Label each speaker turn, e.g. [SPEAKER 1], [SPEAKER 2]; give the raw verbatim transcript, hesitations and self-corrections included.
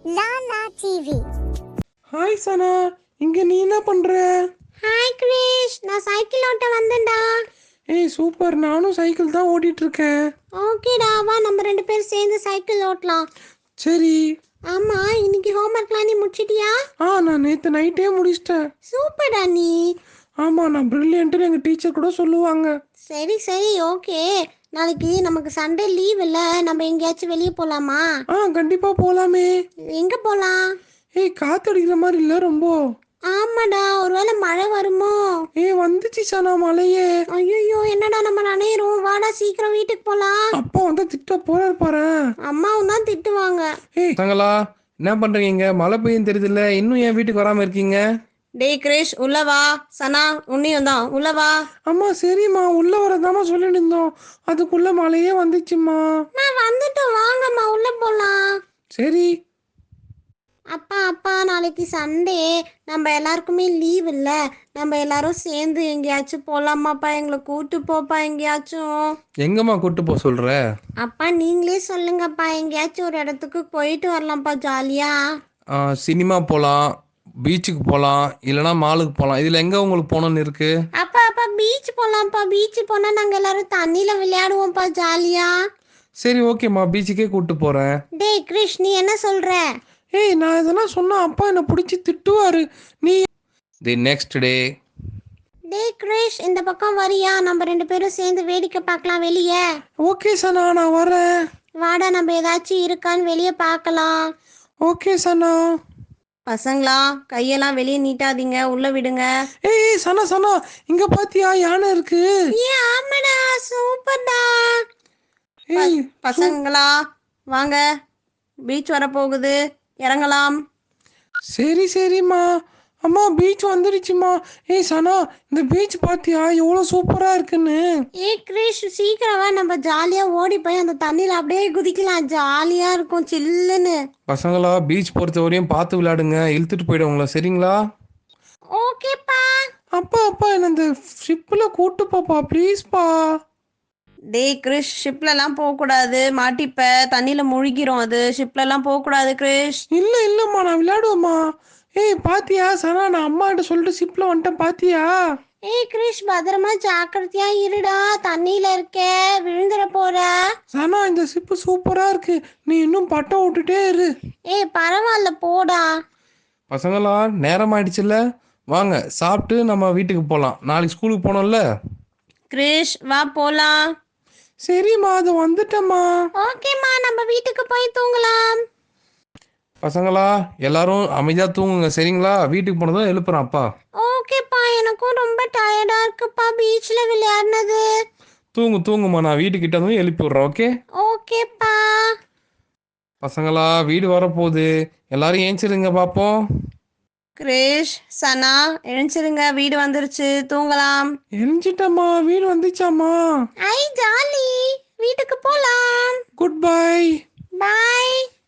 [SPEAKER 1] Lala TV.
[SPEAKER 2] Hi சனா, இங்க நீ என்ன பண்ற?
[SPEAKER 1] ஹாய் கிரேஷ், நான் சைக்கிள் ஓட்ட வந்தேன்டா.
[SPEAKER 2] ஏய் சூப்பர், நானும் சைக்கிள் தான் ஓட்டிட்டு இருக்கேன்.
[SPEAKER 1] ஓகேடா, வா நம்ம ரெண்டு பேரும் சேர்ந்து சைக்கிள் ஓட்டலாம்.
[SPEAKER 2] சரி.
[SPEAKER 1] ஆமா, இன்னைக்கு ஹோம்ஒர்க்லாம் நீ முடிச்சிட்டியா?
[SPEAKER 2] ஆ, நான் நேற்று நைட்டே முடிச்சிட்டேன்.
[SPEAKER 1] சூப்பர்டா நீ.
[SPEAKER 2] ஆமாம், நான் ப்ரில்லியன்ட்டுன்னு எங்கள் டீச்சர் கூட சொல்லுவாங்க.
[SPEAKER 1] சரி சரி ஓகே. நாளைக்கு நமக்கு சண்டே லீவ் இல்லை, நம்ம எங்கேயாச்சும் வெளியே போகலாமா?
[SPEAKER 2] ஆ, கண்டிப்பாக போகலாமே.
[SPEAKER 1] எங்கே போகலாம்?
[SPEAKER 2] ஏய், காற்றடிக்கிற மாதிரி இல்லை ரொம்ப.
[SPEAKER 1] ஆமாடா, ஒருவேளை மழை வருமோ?
[SPEAKER 2] ஏய், வந்துச்சு சனா மழையே.
[SPEAKER 1] ஐயோ, என்னடா நம்ம நனையிறோம். வாடா சீக்கிரம் வீட்டுக்கு போகலாம்.
[SPEAKER 2] அப்பா வந்து திட்ட போறாரு பாரு.
[SPEAKER 1] அம்மாவும் தான் திட்டுவாங்க.
[SPEAKER 2] ஏய் தங்களா, என்ன பண்றீங்க? மழை பெய்யும் தெரியுதுல்ல, இன்னும் என் வீட்டுக்கு வராம இருக்கீங்க?
[SPEAKER 1] டேய் கிரேஷ், உள்ள வா. சனா உன்னையும் தான் உள்ள வா.
[SPEAKER 2] அம்மா சரிம்மா, உள்ள வரதாம்மா சொல்லிட்டு இருந்தோம், அதுக்குள்ள மழையே வந்துச்சுமா.
[SPEAKER 1] நான் வந்துட்டோம், வாங்கம்மா உள்ள போலாம்.
[SPEAKER 2] சரி.
[SPEAKER 1] அப்பா அப்பா, நாளைக்கு சண்டே, நம்ம எல்லாருக்குமே லீவ் இல்ல, நம்ம எல்லாரும் சேர்ந்து எங்கேயாச்சும் போலாமாப்பா? எங்களை கூட்டு போப்பா எங்கேயாச்சும்.
[SPEAKER 2] எங்கம்மா கூட்டு போக சொல்ற?
[SPEAKER 1] அப்பா நீங்களே சொல்லுங்கப்பா, எங்கேயாச்சும் ஒரு இடத்துக்கு போயிட்டு வரலாம்ப்பா ஜாலியா.
[SPEAKER 2] சினிமா போகலாம், பீச்சுக்கு போகலாம், இல்லைனா மாலுக்கு போகலாம். இதில் எங்கே உங்களுக்கு போகணுன்னு இருக்கு?
[SPEAKER 1] அப்பா அப்பா பீச் போலாம்ப்பா. பீச் போனா நாங்க எல்லாரும் தண்ணியில விளையாடுவோம்ப்பா ஜாலியா.
[SPEAKER 2] சரி ஓகேம்மா, பீச்சுக்கே கூட்டு போகிறேன்.
[SPEAKER 1] டேய் கிரிஷ், நீ என்ன சொல்ற?
[SPEAKER 2] ஏய், நான் இதெல்லாம் சொன்னா அப்பா என்னை பிடிச்சி திட்டுவாரு. நீ தி நெக்ஸ்ட் டே.
[SPEAKER 1] டேய் கிரிஷ், இந்த பக்கம் வரியா? நம்ம ரெண்டு பேரும் சேர்ந்து வேடிக்கை பார்க்கலாம் வெளியே.
[SPEAKER 2] ஓகே சனா, நான் வரேன்.
[SPEAKER 1] வாடா, நம்ம ஏதாச்சும் இருக்கான்னு வெளியே பார்க்கலாம்.
[SPEAKER 2] ஓகே சனா.
[SPEAKER 1] பசங்களா, கையெல்லாம் வெளியே நீட்டாதீங்க, உள்ள விடுங்க.
[SPEAKER 2] ஏய் ஏய், சனா சனா, இங்க பாத்தியா யானை இருக்கு?
[SPEAKER 1] ஏ ஆமாடா, சூப்பர்டா.
[SPEAKER 2] ஏய்
[SPEAKER 1] பசங்களா வாங்க, பீச் வர போகுது, இறங்கலாம்.
[SPEAKER 2] சரி சரிம்மா. அம்மா பீச் வந்துடுச்சுமா. ஏய் சனா, இந்த பீச் பாத்தியா எவ்வளோ சூப்பரா இருக்குன்னு?
[SPEAKER 1] ஏ கிரிஷ், சீக்கிரமா நம்ம ஜாலியா ஓடி போய் அந்த தண்ணியில அப்படியே குதிக்கலாம். ஜாலியா இருக்கும் சில்லுன்னு.
[SPEAKER 2] பசங்களா, பீச் பொறுத்த வரையும் பார்த்து விளையாடுங்க, இழுத்துட்டு போயிடுவாங்களா, சரிங்களா?
[SPEAKER 1] ஓகேப்பா.
[SPEAKER 2] அப்பா அப்பா, என்ன இந்த ஷிப்பில் கூட்டு போப்பா ப்ளீஸ்ப்பா.
[SPEAKER 1] டேய் கிரிஷ், ஷிப்லலாம் போகக்கூடாது, மாட்டிப்ப, தண்ணியில் முழுகிறோம். அது ஷிப்லலாம் போகக்கூடாது கிரிஷ்.
[SPEAKER 2] இல்லை இல்லைம்மா, நான் விளையாடுவேம்மா. ஏய் பாத்தியா சனா, நான் அம்மாட்ட சொல்லிட்டு ஷிப்பில் வந்துட்டேன் பாத்தியா?
[SPEAKER 1] ஏய் கிரிஷ், பத்திரமா ஜாக்கிரதையா இருடா, தண்ணியில இருக்க, விழுந்துட போற.
[SPEAKER 2] சனா, இந்த ஷிப்பு சூப்பரா இருக்கு, நீ இன்னும் பட்டம் விட்டுட்டே இரு.
[SPEAKER 1] ஏய் பரவாயில்ல, போடா.
[SPEAKER 2] பசங்களா, நேரம் ஆயிடுச்சுல்ல, வாங்க சாப்பிட்டு நம்ம வீட்டுக்கு போகலாம், நாளைக்கு ஸ்கூலுக்கு போனோம்ல.
[SPEAKER 1] கிரிஷ் வா போலாம்.
[SPEAKER 2] சரிம்மா, அது வந்துட்டம்மா.
[SPEAKER 1] ஓகேம்மா, நம்ம வீட்டுக்கு போய் தூங்கலாம்.
[SPEAKER 2] பசங்களா, எல்லாரும் அமைதியா தூங்குங்க, சரிங்களா? வீட்டுக்கு போனதும் எழுப்புறேன் அப்பா.
[SPEAKER 1] ஓகேப்பா, எனக்கும் ரொம்ப டயர்டா இருக்குப்பா பீச்ல விளையாடினது.
[SPEAKER 2] தூங்கு தூங்குமா, நான் வீட்டுக்கிட்ட வந்து எழுப்பி விட்றேன், ஓகே?
[SPEAKER 1] ஓகேப்பா.
[SPEAKER 2] பசங்களா, வீடு வரப்போகுது, எல்லாரும் ஏஞ்சிருங்க பார்ப்போம்.
[SPEAKER 1] கிரிஷ், சனா எழுந்திருங்க, வீடு வந்துருச்சு, தூங்கலாம்.
[SPEAKER 2] எழுஞ்சிட்டம்மா, வீடு வந்துச்சாம்மா.
[SPEAKER 1] ஐ ஜாலி, வீட்டுக்கு போலாம்.
[SPEAKER 2] Good bye.
[SPEAKER 1] பாய்.